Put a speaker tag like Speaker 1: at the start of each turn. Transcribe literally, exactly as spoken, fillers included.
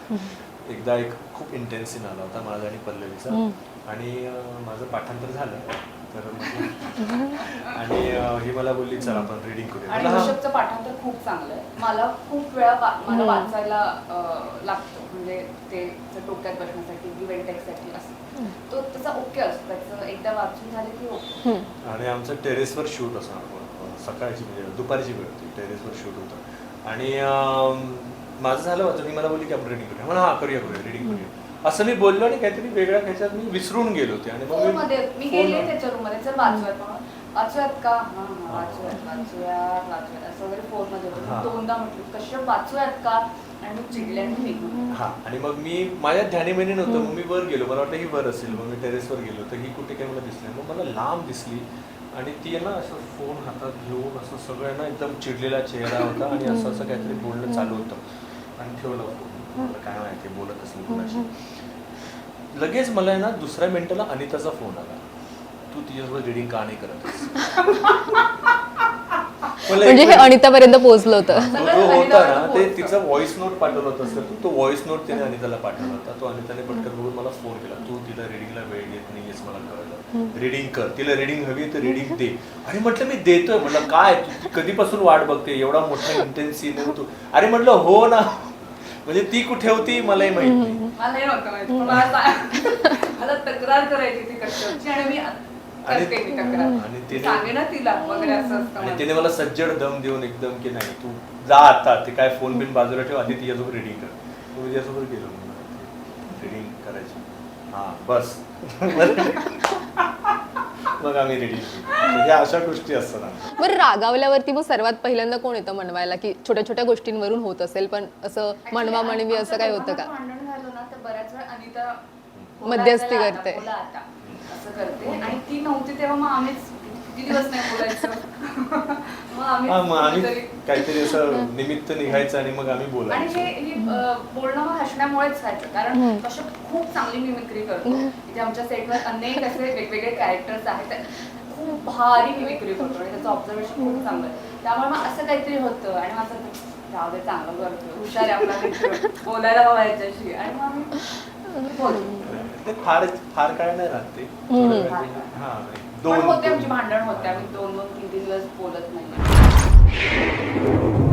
Speaker 1: एकदा एक खूप इंटेन्स सीन आला होता माझा आणि पल्लवीचा आणि माझं पाठांतर झालं तर आणि ही मला बोलली चल आपण रीडिंग करूया.
Speaker 2: आणि ऋषभचं पाठांतर खूप चांगलं आहे. मला खूप वेळा मला वाचायला लागतो म्हणजे ते डोक्यात बसण्यासाठी इव्हेंट टेक्ससाठी असं तो त्याचा ओके असतो त्याचं एकदा वाचून झालं की ओके.
Speaker 1: आणि आमचं टेरेसवर शूट असणार सकाळची म्हणजे दुपारची वेळ होती टेरेसवर शूट होतं आणि माझं झालं होतं मी मला बोलली की आपण रीडिंग करूया म्हणा हां करूया करूया रीडिंग करूया असं मी बोललो आणि काहीतरी वेगळ्या ह्याच्यात मी विसरून गेलो होते आणि
Speaker 2: फोनमध्ये मी गेले त्याच्या रूममध्ये चल वाचूयात म्हणून वाचूयात का हां हां वाचूयात वाचूयात वाचूयात असं वगैरे फोनमध्ये दोनदा म्हटलं कशा वाचूयात का आणि मग चिडले आणि निघून.
Speaker 1: हां आणि मग मी माझ्या ध्यानीमनी नव्हतं मग मी वर गेलो मला वाटलं ही वर असेल मग मी टेरेसवर गेलो तर ही कुठे काही मला दिसली मग मला लांब दिसली आणि ती आहे ना असं फोन हातात घेऊन असं सगळं ना एकदम चिडलेला चेहरा होता आणि असं असं काहीतरी बोलणं चालू होतं आणि ठेवलं फोन मला काय माहिती बोलत असेल कोणाशी. लगेच मला आहे ना दुसऱ्या मिनिटाला अनिताचा फोन आला तू तिच्यासोबत रीडिंग का नाही करत
Speaker 3: म्हणजे हे अनितापर्यंत पोहोचलं होतं.
Speaker 1: जो होता ना ते तिचा व्हॉइस नोट पाठवला होता सर तो व्हॉइस नोट तिने अनिताला पाठवला होता तो अनिताने पटकन बघून मला फोन केला तू तिला रीडिंगला वेळ देत नाहीयेस मला कळलं रीडिंग कर तिला रीडिंग हवी तर रीडिंग दे. आणि म्हटलं मी देतोय म्हटलं काय तू कधीपासून वाट बघते एवढा मोठा इंटेन्स सीन आहे तू अरे म्हटलं हो ना म्हणजे ती कुठे होती मलाही माहित नाही.
Speaker 2: मला हे नव्हतं माहिती मला मला तक्रार करायची ती कशाची आणि मी
Speaker 1: आणि तिने मला सज्जड दम देऊन एकदम की नाही तू जा आता ते काय फोन बिन बाजूला ठेव आधी तिच्यासोबत रीडिंग कर. तू तिच्यासोबत गेलो रीडिंग करायची हा बस मग आम्ही रीडिंग केली. ह्या अशा गोष्टी असतात.
Speaker 3: बरं रागावल्यावरती मग सर्वात पहिल्यांदा कोण येतं मनवायला की छोट्या छोट्या गोष्टींवरून होत असेल पण असं मनवा म्हणवी असं काय होतं का?
Speaker 2: भांडण झालं ना तर बऱ्याच वेळा अनिता
Speaker 3: मध्यस्थी करते
Speaker 2: असं करते आणि ती नव्हती तेव्हा मग आम्हीच किती दिवस नाही बोलायचं मग आम्ही
Speaker 1: काहीतरी असं निमित्त निघायचं आणि मग आम्ही बोलायचं.
Speaker 2: आणि हे बोलणं मग हसण्यामुळेच व्हायचं कारण कश्यप खूप चांगली मिमिक्री करतो. इथे आमच्या सेटवर अनेक असे वेगवेगळे कॅरेक्टर्स आहेत खूप भारी मिमिक्री करतो आणि त्याचं ऑब्झर्वेशन खूप चांगलं आहे त्यामुळे मग असं काहीतरी होतं आणि मग असं राहू दे चांगलं करतो हुशार आहे आपला मित्र बोलायला हवा याच्याशी आणि मग आम्ही बोलतो.
Speaker 1: ते फार फार काय नाही राहते
Speaker 2: दोन होते आमची भांडण होते आम्ही दोन दोन तीन तीन दिवस बोलत नाही.